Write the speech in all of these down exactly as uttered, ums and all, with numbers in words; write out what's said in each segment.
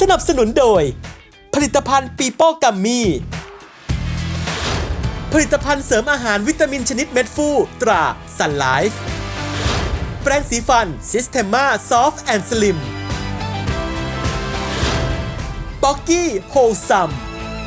สนับสนุนโดยผลิตภัณฑ์ปีโป้กัมมี่ผลิตภัณฑ์เสริมอาหารวิตามินชนิดเม็ดฟูตราซันไลฟ์แปรงสีฟันซิสเทมมาซอฟต์แอนด์สลิมป๊อกกี้โฮลซัม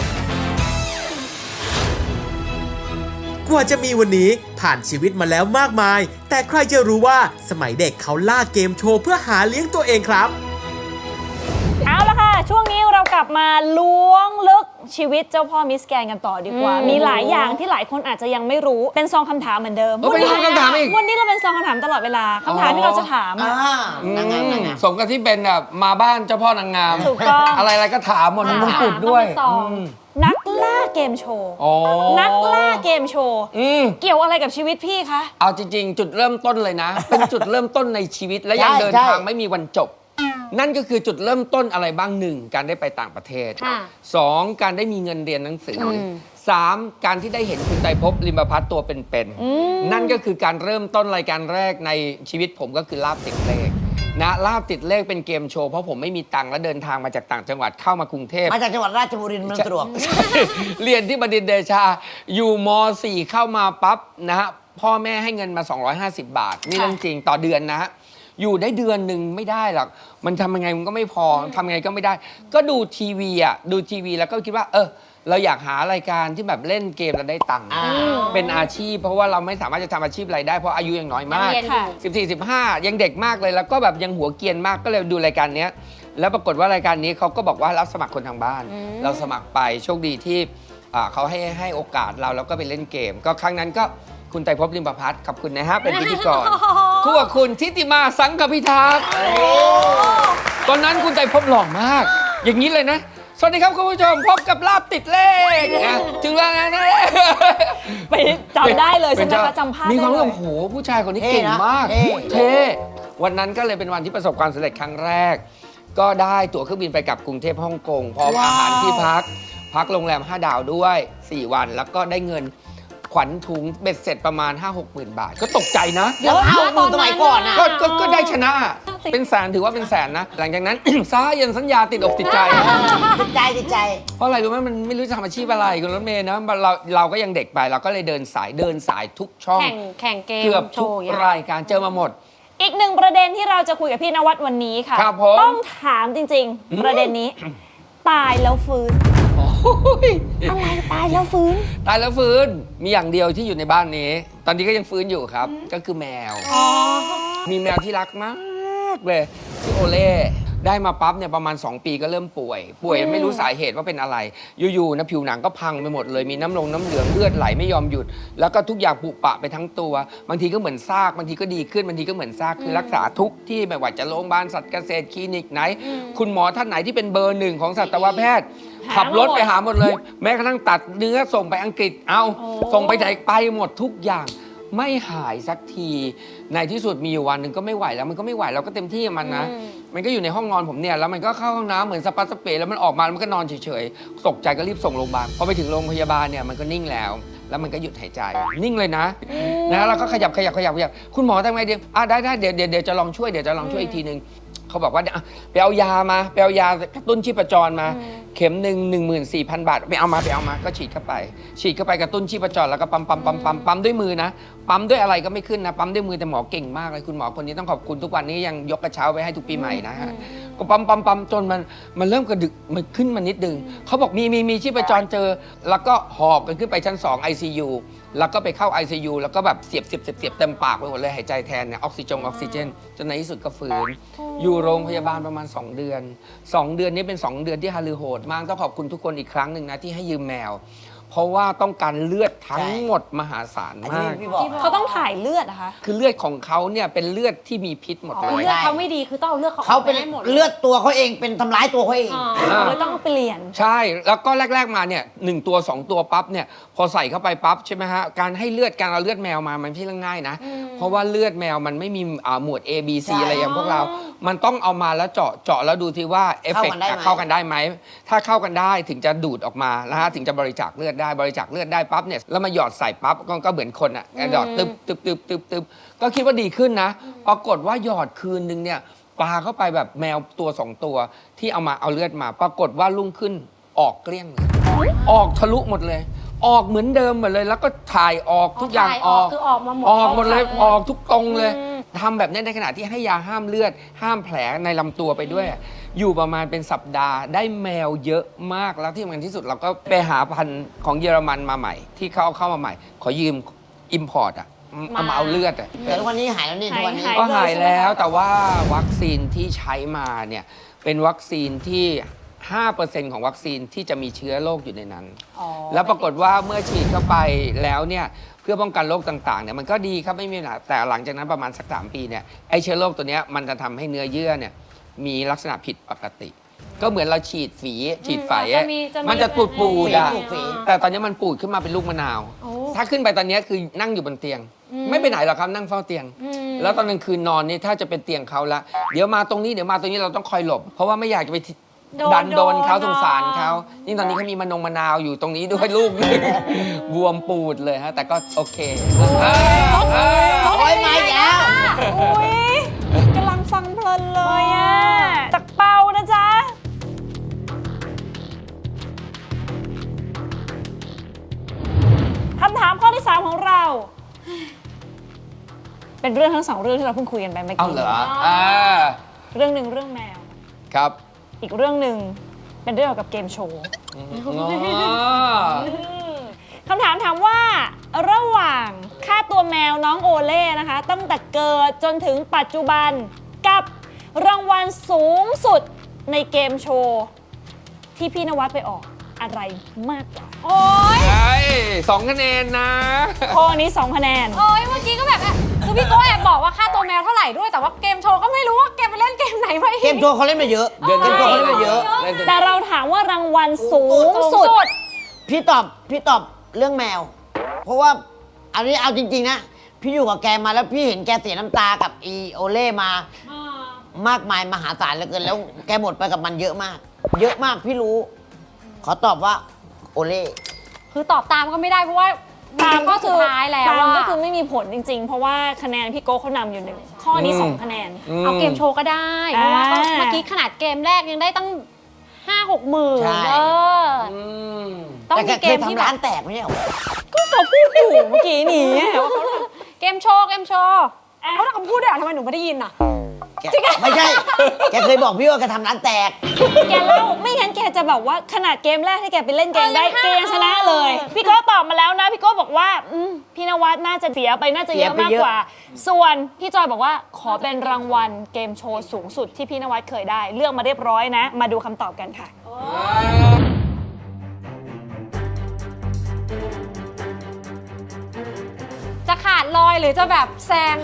กว่าจะมีวันนี้ผ่านชีวิตมาแล้วมากมายแต่ใครจะรู้ว่าสมัยเด็กเขาล่าเกมโชว์เพื่อหาเลี้ยงตัวเองครับเอาละค่ะช่วงนี้เรากลับมาล้วงลึกชีวิตเจ้าพ่อมิสแกรนด์กันต่อดีกว่า มีหลายอย่างที่หลายคนอาจจะยังไม่รู้เป็นซองคำถามเหมือนเดิมเป็นซองคำถามอีกวันนี้เราเป็นซองคำถามตลอดเวลาคำถามที่เราจะถามอะนางงามสมกับที่เป็นแบบมาบ้านเจ้าพ่อนางงามถูกต้องอะไรๆก็ถามหมดมีมงกุฎด้วยนักล่าเกมโชว์อ๋อนักล่าเกมโชว์อืมเกี่ยวอะไรกับชีวิตพี่คะเอาจริงๆ จุดเริ่มต้นเลยนะ เป็นจุดเริ่มต้นในชีวิตและยังเดินทางไม่มีวันจบ นั่นก็คือจุดเริ่มต้นอะไรบ้างหนึ่งการได้ไปต่างประเทศสองการได้มีเงินเรียนหนังสือสามการที่ได้เห็นคุณไตรภพลิมประพัฒน์ตัวเป็นๆนั่นก็คือการเริ่มต้นรายการแรกในชีวิตผมก็คือลาบติดเลขนะลาบติดเลขเป็นเกมโชว์เพราะผมไม่มีตังค์และเดินทางมาจากต่างจังหวัดเข้ามากรุงเทพมาจากจังหวัดราชบุรีเมืองตรวจเรียนที่บดินทร์เดชาอยู่ม สี่เข้ามาปั๊บนะฮะพ่อแม่ให้เงินมาสองร้อยห้าสิบบาทนี่เรื่องจริงต่อเดือนนะฮะอยู่ได้เดือนหนึ่งไม่ได้หรอกมันทำยังไงมันก็ไม่พอทำยังไงก็ไม่ได้ ก็ดูทีวีอ่ะดูทีวีแล้วก็คิดว่าเออเราอยากหารายการที่แบบเล่นเกมแล้วได้ตังค์เป็นอาชีพเพราะว่าเราไม่สามารถจะทำอาชีพอะไรได้เพราะอายุยังน้อยมากสิบสี่ สิบห้ายังเด็กมากเลยแล้วก็แบบยังหัวเกรียนมากก็เลยดูรายการนี้แล้วปรากฏว่ารายการนี้เขาก็บอกว่ารับสมัครคนทางบ้านเราสมัครไปโชคดีที่เขาให้ให้โอกาสเราแล้วก็ไปเล่นเกมก็ครั้งนั้นก็คุณไตรภพลิมประพัฒน์ขอบคุณนะฮะเป็นพิธีกรคู่กับคุณทิติมาสังฆพิทักษ์ตอนนั้นคุณไตรภพหล่อมากอย่างนี้เลยนะสวัสดีครับคุณผู้ชมพบกับลาบติดเลขนะถึงแล้วนะไปจำได้เลยใช่ไหมคะจำภาพได้เลยมีความรู้สึกโอ้โหผู้ชายคนนี้เก่งมากเท่วันนั้นก็เลยเป็นวันที่ประสบความสำเร็จครั้งแรกก็ได้ตั๋วเครื่องบินไปกับกรุงเทพฮ่องกงพร้อมอาหารที่พักพักโรงแรมห้าดาวด้วยสี่วันแล้วก็ได้เงินขวัญถุงเบ็ดเสร็จประมาณ ห้าหกหมื่น บาทก็ตกใจนะเยอะเอาตอนสมัยก่อนนะก็ก็ได้ชนะเป็นแสนถือว่าเป็นแสนนะหลังจากนั้น ซ้ายันสัญญาติดอกติดใจติดใจติดใจเพราะอะไรรู้ไหมมันไม่รู้จะทำอาชีพอะไรคุณรถเมย์นะเราเราก็ยังเด็กไปเราก็เลยเดินสายเดินสายทุกช่องแข่งแข่งเกมเกือบทุกรายการเจอมาหมดอีกหนึ่งประเด็นที่เราจะคุยกับพี่นวัดวันนี้ค่ะต้องถามจริงๆประเด็นนี้ตายแล้วฟื้นอะไรตายแล้วฟื้นตายแล้วฟื้นมีอย่างเดียวที่อยู่ในบ้านนี้ตอนนี้ก็ยังฟื้นอยู่ครับก็คือแมวมีแมวที่รักมากเลยชื่อโอเล่ได้มาปั๊บเนี่ยประมาณสองปีก็เริ่มป่วยป่วยไม่รู้สาเหตุว่าเป็นอะไรอยู่ๆนะผิวหนังก็พังไปหมดเลยมีน้ำลงน้ำเหลืองเลือดไหลไม่ยอมหยุดแล้วก็ทุกอย่างผุปะไปทั้งตัวบางทีก็เหมือนซากบางทีก็ดีขึ้นบางทีก็เหมือนซากคือรักษาทุกที่ไม่ว่าจะโรงพยาบาลสัตว์เกษตรคลินิกไหนคุณหมอท่านไหนที่เป็นเบอร์หนึ่งของสัตวแพทย์ขับรถไปหาหมดเลยแม้กระทั่งตัดเนื้อส่งไปอังกฤษเอาส่งไปไหนไปหมดทุกอย่างไม่หายสักทีในที่สุดมีอยู่วันหนึ่งก็ไม่ไหวแล้วมันก็ไม่ไหวเราก็เต็มที่กับมันนะมันก็อยู่ในห้องนอนผมเนี่ยแล้วมันก็เข้าห้องน้ำเหมือนสปาสเปรย์แล้วมันออกมาแล้วมันก็นอนเฉยๆตกใจก็รีบส่งโรงพยาบาลพอไปถึงโรงพยาบาลเนี่ยมันก็นิ่งแล้วแล้วมันก็หยุดหายใจนิ่งเลยนะนะแล้วก็ขยับขยับขยับขยับคุณหมอทำไงดีอ่ะได้ได้เดี๋ยวเดี๋ยวจะลองช่วยเดี๋ยวจะลองช่วยอีกทีนึงเขาบอกว่าไปเอายามาไปเอายากระตุ้นชีพจรมาเข็มหนึ่งหนึ่งหมื่นสี่พันบาทไปเอามาไปเอามาก็ฉีดเข้าไปฉีดเข้าไปกระตุ้นชีพจรแล้วก็ปั๊มปั๊มปั๊มปั๊มปั๊มด้วยมือนะปั๊มด้วยอะไรก็ไม่ขึ้นนะปั๊มด้วยมือแต่หมอเก่งมากเลยคุณหมอคนนี้ต้องขอบคุณทุกวันนี้ยังยกกระเช้าไว้ให้ทุกปีใหม่นะฮะก็ปั๊มปั๊มปั๊มจนมันมันเริ่มกระดึกมันขึ้นมานิดนึงเขาบอกมีมีมีชีพจรเจอแล้วก็หอบกันขึ้นไปชั้นสอง ไอ ซี ยู แล้วก็ไปเข้า ไอ ซี ยู แล้วก็แบบเสียบเสียบเสียบเสียบเต็มปากไปหมดเลยหายใจแทนเนี่ยออกซิจงออกซิเจนจนในที่สุดก็ฟื้นอยู่โรงพยาบาลประมาณสองเดือนสองเดือนนี้เป็นสองเดือนที่ฮาลือโหดมากต้องขอบคุณทุกคนอีกครั้งหนึ่งนะที่ให้ยืมแมวเพราะว่าต้องการเลือดทั้งหมดมหาศาลมากเขาต้องถ่ายเลือดนะคะคือเลือดของเขาเนี่ยเป็นเลือดที่มีพิษหมดเลยเลือดเขาไม่ดีคือต้องเอาเลือดเขาเขาเป็นเลือดตัวเขาเองเป็นทำร้ายตัวเขาเองเลยต้องเปลี่ยนใช่แล้วก็แรกๆมาเนี่ยหนึ่งตัวสองตัวปั๊บเนี่ยพอใส่เข้าไปปั๊บใช่ไหมฮะการให้เลือดการเอาเลือดแมวมามันไม่ใช่เรื่องง่ายนะเพราะว่าเลือดแมวมันไม่มีหมวด A B C อะไรอย่างพวกเรามันต้องเอามาแล้วเจาะเจาะแล้วดูทีว่าเอฟเฟกต์เข้ากันได้ไหมถ้าเข้ากันได้ถึงจะดูดออกมานะฮะถึงจะบริจาคเลือดได้บริจาคเลือดได้ปั๊บเนี่ยแล้วมาหยอดใส่ปั๊บก็เหมือนคนอ่ะหยอดตึบตึบตึบตึบตึบก็คิดว่าดีขึ้นนะปรากฏว่าหยอดคืนนึงเนี่ยปาเข้าไปแบบแมวตัวสองตัวที่เอามาเอาเลือดมา ปรากฏว่ารุ่งขึ้นออกเกลี้ยงเลยออกทะลุหมดเลย ออกเหมือนเดิมหมดเลย แล้วก็ถ่ายออกทุกอย่างถ่ายออออก กคือออกมาหมดออกหมดเลยเข้าออกทุกตรงเลยอืมทำแบบนี้ในขณะที่ให้ยาห้ามเลือด ห้ามแผลในลำตัวไปด้วย อยู่ประมาณเป็นสัปดาห์ได้แมวเยอะมากแล้วที่สำคัญที่สุดเราก็ไปหาพันธุ์ของเยอรมันมาใหม่ ที่เขาเอาเข้ามาใหม่ ขอยืมอิมพอร์ตอ่ะเอามาเอาเลือดอ่ะแต่ทุกวันนี้หายแล้วนี่ทุกวันนี้หายก็หายแล้วแต่ว่าวัคซีนที่ใช้มาเนี่ยเป็นวัคซีนที่ ห้าเปอร์เซ็นต์ ของวัคซีนที่จะมีเชื้อโรคอยู่ในนั้น แล้วปรากฏว่าเมื่อฉีดเข้าไปแล้วเนี่ยเพื่อป้องกันโรคต่างๆเนี่ยมันก็ดีครับไม่มีปัญหาแต่หลังจากนั้นประมาณสักสามปีเนี่ยไอเชื้อโรคตัวเนี้ยมันจะทำให้เนื้อเยื่อเนี่ยมีลักษณะผิดปกติ ก็เหมือนเราฉีดฝีฉีดไฝจะอะมีจะมีมันจะปูดปูดๆอะปูดฝีแต่ตอนนี้มันปูดขึ้นมาเป็นลูกมะนาวโอ้ถ้าขึ้นไปตอนนี้คือนั่งอยู่บนเตียง ไม่ไปไหนหรอกครับนั่งเฝ้าเตียงอืมแล้วตอนกลางคืนนอนนี่ถ้าจะเป็นเตียงเขาละเดี๋ยวมาตรงนี้เดี๋ยวมาตรงนี้เราต้องคอยหลบ เพราะว่าไม่อยากจะไปทิโดนดันโดนเขาโดนสงสารเขายิ่งตอนนี้เขามีมะนงมะนาวอยู่ตรงนี้ด้วยลูกหนึ่งบวมปูดเลยฮะแต่ก็โอเคเออเออโอ้ยมาอีกแล้วอุ้ยกำลังฟังเพลินเลยอ่ะจากเปานะจ๊ะ คำถามข้อที่ สาม ของเรา เป็นเรื่องทั้งสองเรื่องที่เราเพิ่งคุยกันไปเมื่อเอากี้เหรออ่าเรื่องหนึ่งเรื่องแมวครับอีกเรื่องหนึ่งเป็นเรื่องเกี่ยวกับเกมโชว์อ๋อคำถามถามว่าระหว่างค่าตัวแมวน้องโอเล่นะคะ ตั้งแต่เกิดจนถึงปัจจุบันกับรางวัลสูงสุดในเกมโชว์ ที่พี่นวัดไปออกอะไรมากกว่าโอ๊ยไอ้สองคะแนนนะข้อนี้สองคะแนนโอ๊ยเมื่อกี้ก็แบบอ่ะคือพี่โก้แอบบอกว่าค่าตัวแมวเท่าไหร่ด้วยแต่ว่าเกมโชว์ก็ไม่รู้ว่าแกไปเล่นเกมไหนมาอีเกมโชว์เขาเล่นมาเยอะเดือนเกมโชว์เขาเล่นมาเยอะเล่นจนแต่เราถามว่ารางวัลสูงสุดพี่ตอบพี่ตอบเรื่องแมว เพราะว่าอันนี้เอาจริงๆนะ พี่อยู่กับแกมาแล้วพี่เห็นแกเสียน้ำตากับอีโอเล่มา มากมายมหาศาลเหลือเกินแล้วแกหมดไปกับมันเยอะมาก เยอะมากพี่รู้ ขอตอบว่าโอเล่คือตอบตามก็ไม่ได้เพราะว่าตามก็คือสุดท้ายแล้วตามว่าก็คือไม่มีผลจริงๆ เพราะว่าคะแนนพี่โก้เขานำอยู่หนึ่งข้อนี้สองคะแนนเอาเกมโชว์ก็ได้เพราะว่าก็อ่าเมื่อกี้ขนาดเกมแรกยังได้ตั้งห้าหกหมื่นใช่เอออืมต้องแต่มีแกเกเคยมที่ทำแบร้าบนแตกไม่ใช่เหรอก็เขาพูดอยู่เมื่อกี้นี้ว่าเขาทเกมโชว์เกมโชว์เขาทำพูดด้วยเหรอทำไมหนูไม่ได้ยินอ่ะแกไม่ใช่ แกเคยบอกพี่ว่าแกทำร้านแตกำแกเล่าไม่งั้นแกจะแบบว่าขนาดเกมแรกที่แกไปเล่นเกมได้เออแกยังชนะเลย พี่โก้ตอบมาแล้วนะ พี่โก้บอกว่าอืมพี่นวัดน่าจะเสียไปน่าจะเยอะเสียไปมากเยอะกว่า ส่วนพี่จอยบอกว่าขอเป็นรางวัลเกมโชว์สูงสุดที่พี่นวัดเคยได้ เลือกมาเรียบร้อยนะ มาดูคำตอบกันค่ะจะขาดลอยหรือจะแบบแซง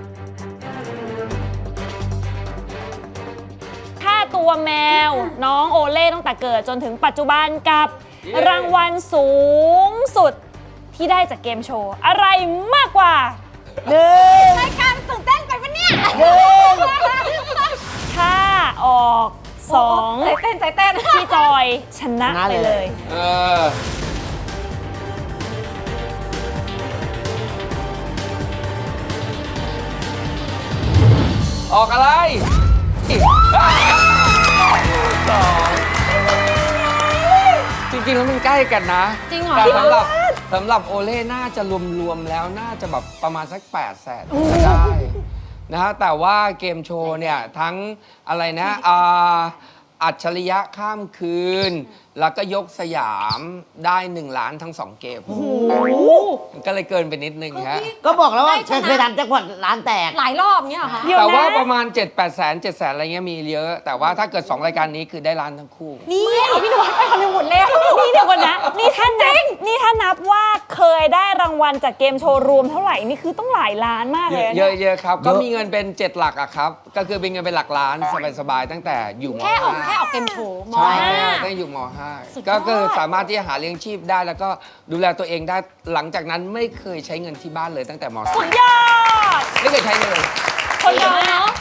ค่าตัวแมว น้องโอเล่ตั้งแต่เกิดจนถึงปัจจุบันกับเย้รางวัลสูงสุดที่ได้จากเกมโชว์ อะไรมากกว่าหนึ่งรายการตื่นเต้นไปปะเนี่ยหนึ่งถ้าออกสองใจเต้นใจเต้นพี่จอยชนะไปเลยเออ ออกอะไรสองจริงๆแล้วมันใกล้กันนะจริงเหรอแต่สำหรับสำหรับโอเล่น่าจะรวมๆแล้วน่าจะแบบประมาณสักแปดแสนจะได้นะฮะแต่ว่าเกมโชว์เนี่ย ทั้งอะไรนะอ่าอัจฉริยะข้ามคืน แล้วก็ยกสยามได้หนึ่งล้านทั้งสองเกมก็เลยเกินไปนิดนึงฮะก็บอกแล้วว่าได้ชแกนะเคยทำแจ็คพอตร้านแตกหลายรอบเงี้ยเหรอคะเดี๋ยวแต่ว่านะประมาณ เจ็ดแปดแสนเจ็ดแสนอะไรเงี้ยมีเยอะ แต่ว่าถ้าเกิด สอง รายการนี้คือได้ล้านทั้งคู่นี่เอาพี่นวัดไปฮอลลีวูดแล้วนี่เดี๋ยวก่อนนะ นี่ถ้านับนี่ถ้านับว่าเคยได้รางวัลจากเกมโชว์รวมเท่าไหร่นี่คือต้องหลายล้านมากเลยนะเยอะเยอะครับเยก็อะมีเงินเป็น เจ็ด หลักอะครับ ก็คือเป็นเงินเป็นหลักล้านสบายๆตั้งแต่อยู่มแค่ออกห้าแค่ออกเกมโชว์มใช่ห้าตั้งอยู่มห้าสุดยอดก็คือสามารถที่จะหาเลี้ยงชีพได้แล้วก็ดูแลตัวเองได้หลังจากนั้นไม่เคยใช้เงินที่บ้านเลยตั้งแต่มสุดยอดไม่เคยใช้เลยคนเดียวเนาะ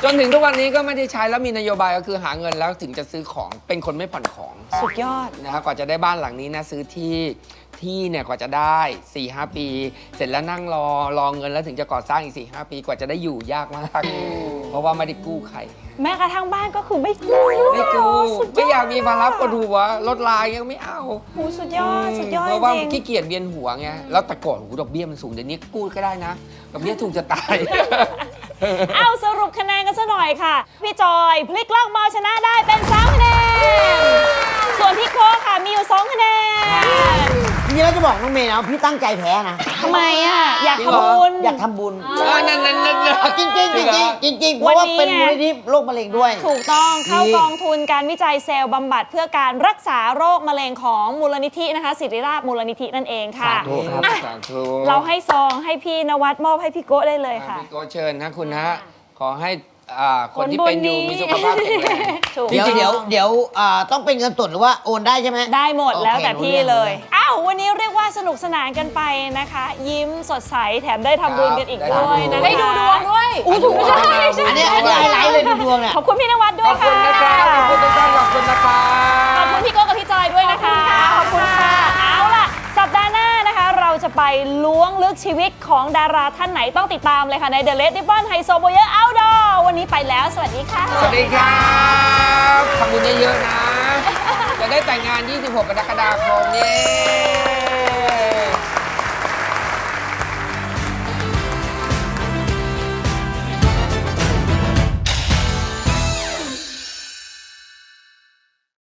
จนถึงทุกวันนี้ก็ไม่ได้ใช้แล้วมีนโยบายก็คือหาเงินแล้วถึงจะซื้อของเป็นคนไม่ผ่อนของสุดยอดนะครับกว่าจะได้บ้านหลังนี้นะซื้อที่ที่เนี่ยกว่าจะได้ สี่ห้า ปี เสร็จแล้วนั่งรอรอเงินแล้วถึงจะก่อสร้างอีก สี่ห้า ปีกว่าจะได้อยู่ยากมาก เพราะว่าไม่ได้กู้ใครแม้กระทั่งบ้านก็คือไม่กู้ไม่กู้สุดยอดไม่อยากมีภาระปวดหัวรถลายยังไม่เอาโอ้สุดยอด สุดยอดเพราะว่าจริงขี้เกียจเวียนหัวไงแล้วแต่ก่อนโอ้โหดอกเบี้ยมันสูงเดี๋ยวนี้กู้ก็ได้นะดอกเบี้ยถูกจะตายเอาสรุปคะแนนกันซะหน่อยค่ะ พี่จอยพลิกล็อกมาชนะได้เป็นสามคะแนน ส่วนพี่โค้กค่ะมีอยู่สองคะแนนจริงๆแล้วจะบอกน้องเมย์นะว่าพี่ตั้งใจแพ้นะทำไมอ่ะ อยากจริงเหรอทำบุญอยากทำบุญเออนั่นนั่นนั่นจริงจริงจริงจริงจริงๆเพราะว่าเป็นมูลนิธิโรคมะเร็งด้วยถูกต้องเข้ากองทุนการวิจัยเซลล์บำบัดเพื่อการรักษาโรคมะเร็งของมูลนิธินะคะศิริราชมูลนิธินั่นเองค่ะสาธุครับอ่ะสาธุเราให้ซองให้พี่นวัดมอบให้พี่โก้ได้เลยค่ะพี่โกเชิญนะคุณนะขอให้อ่าคนที่เป็นอยู่มีสุขภาพแข็งแรงถูกเดี๋ยวเดี๋ยวเดี๋ยวอ่าต้องเป็นเงินสดหรือว่าโอนได้ใช่ไหมได้หมดโอเคแล้วแต่พี่รู้เรื่องเลยรู้เรื่องอ้าววันนี้เรียกว่าสนุกสนานกันไปนะคะ ยิ้มสดใสแถมได้ทำบุญกันอีกด้วยนะได้ดูดวงด้วยอู้ถูกใช่ใช่อันนี้อันนี้ไฮไลท์เลยดูดวงเนี่ยขอบคุณพี่นวัดด้ขวยอบคุค่ะณนะครับขอบคุณทุกท่านขอบคุณนะครับขอบคุณพี่โก้กับพี่จอยด้วยนะคะ ขอบคุณค่ะ เอาล่ะ สัปดาห์หน้านะคะ เราจะไปล้วงลึกชีวิตของดาราท่านไหนต้องติดตามเลยค่ะ ใน The Red Ribbon ไฮโซโบเยอร์ Outdoor วันนี้ไปแล้ว สวัสดีค่ะสวัสดีครับทำบุญเยอะๆนะ จะได้แต่งงาน ยี่สิบหก กรกฎาคมนี้